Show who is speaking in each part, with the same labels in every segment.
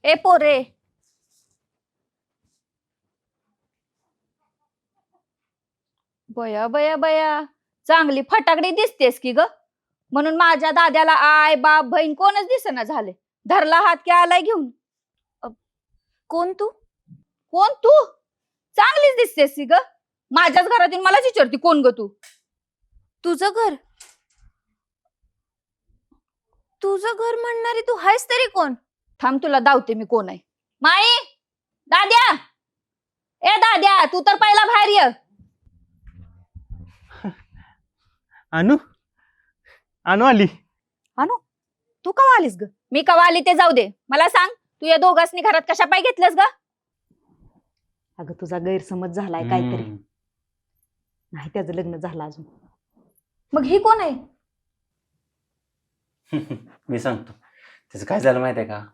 Speaker 1: ए पोरे, बया बया बया, चांगली फटाकडी दिसतेस की ग. म्हणून माझ्या दाद्याला आय बाप बहीण कोणच दिसेना झाले. धरला हात की आलाय घेऊन. कोण तू? कोण तू? चांगलीच दिसतेस की ग. माझ्याच घरातून मलाच विचारती कोण ग तू?
Speaker 2: तुझं घर? तुझं घर म्हणणारी तू हायस तरी कोण?
Speaker 1: थांब तुला दावते मी कोण आहे. माई, दाद्या, ए दाद्या, तू तर पहिला बाहेर ये.
Speaker 3: अनु अनु आली.
Speaker 1: अनु, तू कवा आलीस ग? मी कवा आली ते जाऊ दे, मला सांग तू या दोघांनी घरात कशा पाय घेतलंस ग?
Speaker 4: अगं तुझा गैरसमज झालाय काहीतरी. नाही त्याचं लग्न झालं अजून.
Speaker 1: मग ही कोण आहे?
Speaker 5: मी सांगतो त्याचं काय झालं माहित आहे का.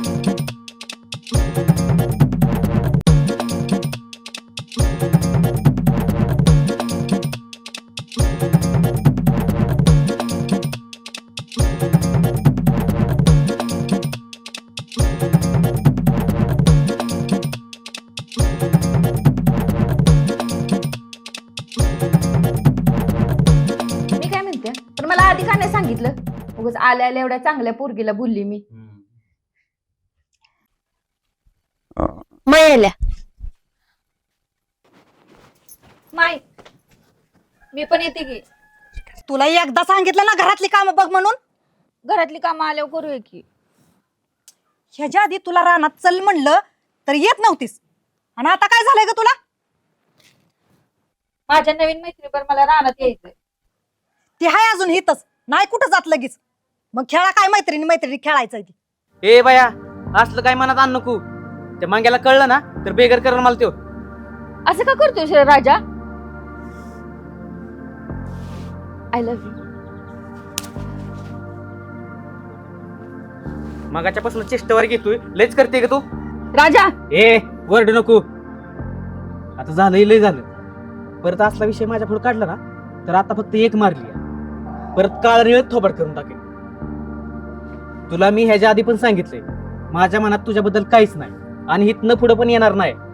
Speaker 1: मी काय म्हणते, पण मला आधी का नाही सांगितलं? उगाच आल्या आल्या एवढ्या चांगल्या पोरगीला बोलली मी.
Speaker 2: मयल्या
Speaker 1: माई, मी पण येते की.
Speaker 4: तुला एकदा सांगितलं ना घरातली कामं बघ म्हणून.
Speaker 1: घरातली कामं आल्यावर करूया की.
Speaker 4: ह्याच्या आधी तुला रानात चल म्हणलं तर येत नव्हतीस, आणि आता काय झालंय ग तुला?
Speaker 1: माझ्या नवीन मैत्रीवर मला रानात यायचंय.
Speaker 4: ती हाय अजून हितच, नाही कुठं जात लगेच. मग खेळा काय मैत्रिणी मैत्रिणी खेळायचंय ती.
Speaker 3: ए बाया, असलं काय मनात आण नको. त्या मांग्याला कळलं ना तर बेगर करण मला त्यो.
Speaker 1: असं का करतोय रे राजा? I love you.
Speaker 3: मगाच्या पासून चेष्टावर घेतोय, लयच करते का तू?
Speaker 1: राजा,
Speaker 3: ए वरड नको. आता झालंय लय झालं. परत असला विषय माझ्या पुढे काढला ना तर आता फक्त एक मारली, परत काळ निळत थोबड करून टाकेल. तुला मी ह्याच्या आधी पण सांगितलंय, माझ्या मनात तुझ्याबद्दल काहीच नाही आणि हितनं पुढे पण येणार नाही.